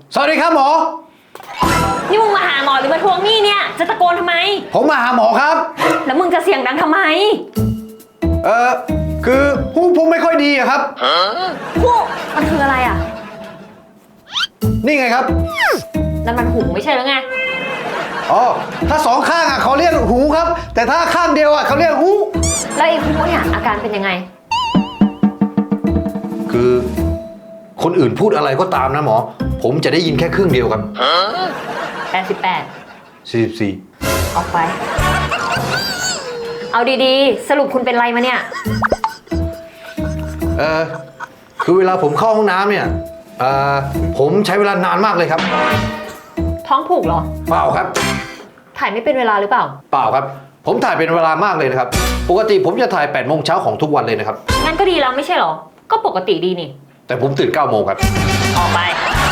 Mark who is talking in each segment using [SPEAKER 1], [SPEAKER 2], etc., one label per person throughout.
[SPEAKER 1] สวัสดีครับหมอ
[SPEAKER 2] นี่มึงมาหาหมอหรือมาทวงหนี้เนี่ยจะตะโกนทำไม
[SPEAKER 1] ผมมาหาหมอครับ
[SPEAKER 2] แล้วมึงจะเสียงดังทำไม
[SPEAKER 1] คือหูผมไม่ค่อยดีอะครับ
[SPEAKER 2] หูมันคืออะไรอ่ะ
[SPEAKER 1] นี่ไงครับ
[SPEAKER 2] นั่นมันหูไม่ใช่แล้วไง
[SPEAKER 1] อ๋อถ้าสองข้างอะเขาเรียกหูครับแต่ถ้าข้างเดียวอะเขาเรียกหู
[SPEAKER 2] แล้วไอ้หูเนี่ยอาการเป็นยังไง
[SPEAKER 1] คือคนอื่นพูดอะไรก็ตามนะหมอผมจะได้ยินแค่ครึ่งเดียวครับ
[SPEAKER 2] 88
[SPEAKER 1] 44
[SPEAKER 2] ออกไปเอาดีๆสรุปคุณเป็นไรมาเนี่ย
[SPEAKER 1] คือเวลาผมเข้าห้องน้ำเนี่ยผมใช้เวลานานมากเลยครับ
[SPEAKER 2] ท้องผูกเหรอ
[SPEAKER 1] เปล่าครับ
[SPEAKER 2] ถ่ายไม่เป็นเวลาหรือเปล่า
[SPEAKER 1] เปล่าครับผมถ่ายเป็นเวลามากเลยนะครับปกติผมจะถ่าย8 โมงเช้าของทุกวันเลยนะครับ
[SPEAKER 2] งั้นก็ดีแล้วไม่ใช่เหรอก็ปกติดีนี่
[SPEAKER 1] แต่ผมตื่น9 โมงครับ
[SPEAKER 2] ออกไป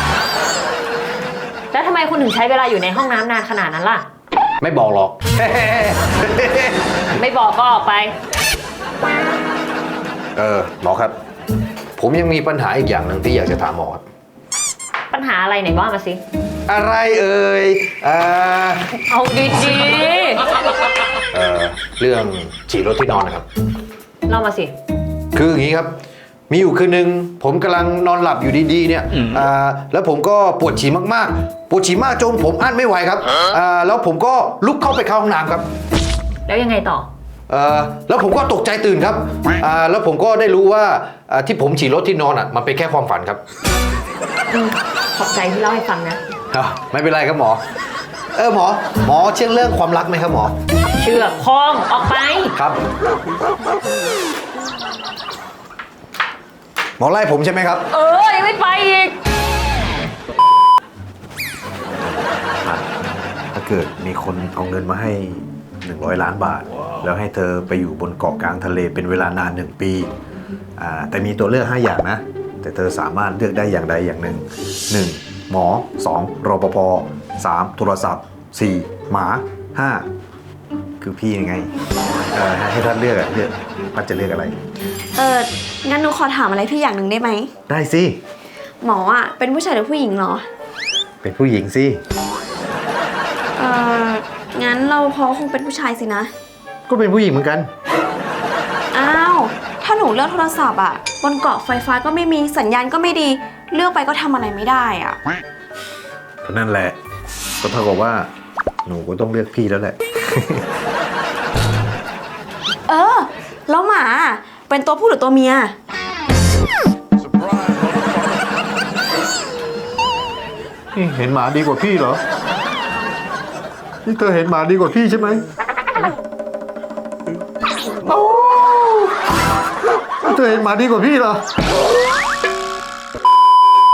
[SPEAKER 2] แล้วทำไมคุณถึงใช้เวลาอยู่ในห้องน้ำนานขนาดนั้นล่ะ
[SPEAKER 1] ไม่บอกหรอก
[SPEAKER 2] ไม่บอกก็ออกไป
[SPEAKER 1] หมอครับผมยังมีปัญหาอีกอย่างหนึ่งที่อยากจะถามหมอครับ
[SPEAKER 2] ปัญหาอะไรไหนว่ามาสิ
[SPEAKER 1] อะไร
[SPEAKER 2] เอาดี
[SPEAKER 1] เรื่องฉี่รถที่นอนนะครับ
[SPEAKER 2] เล่ามาสิ
[SPEAKER 1] คืออย่างนี้ครับมีอยู่คืนนึงผมกำลังนอนหลับอยู่ดีๆเนี่ยแล้วผมก็ปวดฉี่มากๆปวดฉี่มากจนผมอั้นไม่ไหวครับแล้วผมก็ลุกเข้าไปเข้าห้องน้ำครับ
[SPEAKER 2] แล้วยังไงต่อ
[SPEAKER 1] แล้วผมก็ตกใจตื่นครับแล้วผมก็ได้รู้ว่าที่ผมฉี่รถที่นอนมันเป็นแค่ความฝันครับ
[SPEAKER 2] ขอบใจที่เล่าให้ฟังนะ
[SPEAKER 1] ไม่เป็นไรครับหมอหมอเชื่อเรื่องความรักไหมครับหมอ
[SPEAKER 2] เชื่อคล้องออกไป
[SPEAKER 1] ครับหมอไล่ผมใช่ไหมครับ
[SPEAKER 2] ยังไม่ไปอีก
[SPEAKER 1] ถ้าเกิดมีคนเอาเงินมาให้100 ล้านบาทแล้วให้เธอไปอยู่บนเกาะกลางทะเลเป็นเวลานาน1 ปีแต่มีตัวเลือก5 อย่างนะแต่เธอสามารถเลือกได้อย่างใดอย่างหนึ่ง1หมอ2รปภ3โทรศัพท์4หมา5คือพี่ยังไงให้ท่านเลือกท่านจะเลือกอะไร
[SPEAKER 3] งั้นหนูขอถามอะไรพี่อย่างหนึ่งได้ไหม
[SPEAKER 1] ได้สิ
[SPEAKER 3] หมอเป็นผู้ชายหรือผู้หญิงเหรอ
[SPEAKER 1] เป็นผู้หญิงสิ
[SPEAKER 3] งั้นเราพอคงเป็นผู้ชายสินะ
[SPEAKER 1] ก็เป็นผู้หญิงเหมือนกัน
[SPEAKER 3] อ้าวถ้าหนูเลือกโทรศัพท์บนเกาะไฟฟ้าก็ไม่มีสัญญาณก็ไม่ดีเลือกไปก็ทำอะไรไม่ได้
[SPEAKER 1] ก็นั่นแหละก็เท่ากับว่าหนูก็ต้องเลือกพี่แล้วแหละ
[SPEAKER 3] แล้วหมาเป็นตัวผู้หรือตัวเมีย
[SPEAKER 1] นี่เห็นหมาดีกว่าพี่เหรอนี่เธอเห็นหมาดีกว่าพี่ใช่ไหมเธอเห็นหมาดีกว่าพี่เหรอ